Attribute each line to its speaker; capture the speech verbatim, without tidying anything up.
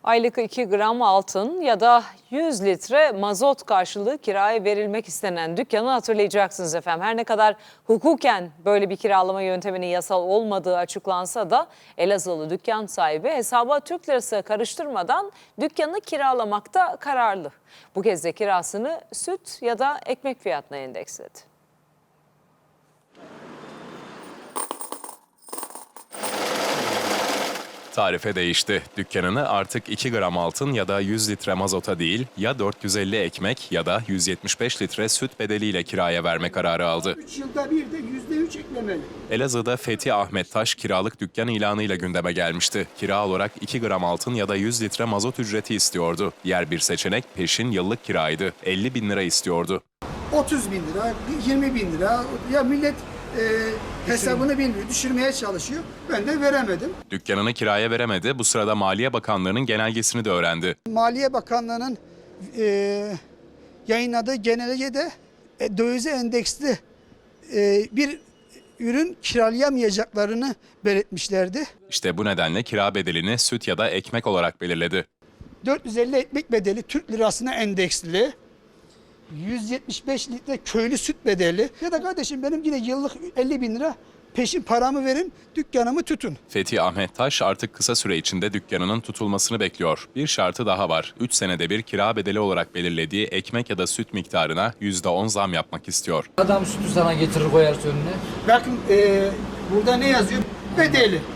Speaker 1: Aylık iki gram altın ya da yüz litre mazot karşılığı kiraya verilmek istenen dükkanı hatırlayacaksınız efendim. Her ne kadar hukuken böyle bir kiralama yönteminin yasal olmadığı açıklansa da Elazığlı dükkan sahibi hesaba Türk lirası karıştırmadan dükkanı kiralamakta kararlı. Bu kez de kirasını süt ya da ekmek fiyatına endeksledi.
Speaker 2: Tarife değişti. Dükkanını artık iki gram altın ya da yüz litre mazota değil, ya dört yüz elli ekmek ya da yüz yetmiş beş litre süt bedeliyle kiraya verme kararı aldı.
Speaker 3: üç yılda bir de yüzde üç eklemeli.
Speaker 2: Elazığ'da Fethi Ahmet Taş kiralık dükkan ilanıyla gündeme gelmişti. Kira olarak iki gram altın ya da yüz litre mazot ücreti istiyordu. Diğer bir seçenek peşin yıllık kiraydı. elli bin lira istiyordu.
Speaker 3: otuz bin lira, yirmi bin lira. Ya millet e, hesabını bilmiyor, düşürmeye çalışıyor. Ben de veremedim.
Speaker 2: Dükkanını kiraya veremedi. Bu sırada Maliye Bakanlığı'nın genelgesini de öğrendi.
Speaker 3: Maliye Bakanlığı'nın e, yayınladığı genelgede e, dövize endeksli e, bir ürün kiralayamayacaklarını belirtmişlerdi.
Speaker 2: İşte bu nedenle kira bedelini süt ya da ekmek olarak belirledi.
Speaker 3: dört yüz elli ekmek bedeli Türk lirasına endeksli. yüz yetmiş beş litre köylü süt bedeli. Ya da kardeşim benim yine yıllık elli bin lira peşin paramı verin, dükkanımı tutun.
Speaker 2: Fethi Ahmet Taş artık kısa süre içinde dükkanının tutulmasını bekliyor. Bir şartı daha var. üç senede bir kira bedeli olarak belirlediği ekmek ya da süt miktarına yüzde on zam yapmak istiyor.
Speaker 4: Adam sütü sana getirir koyar önüne.
Speaker 3: Bakın e, burada ne yazıyor? Bedeli.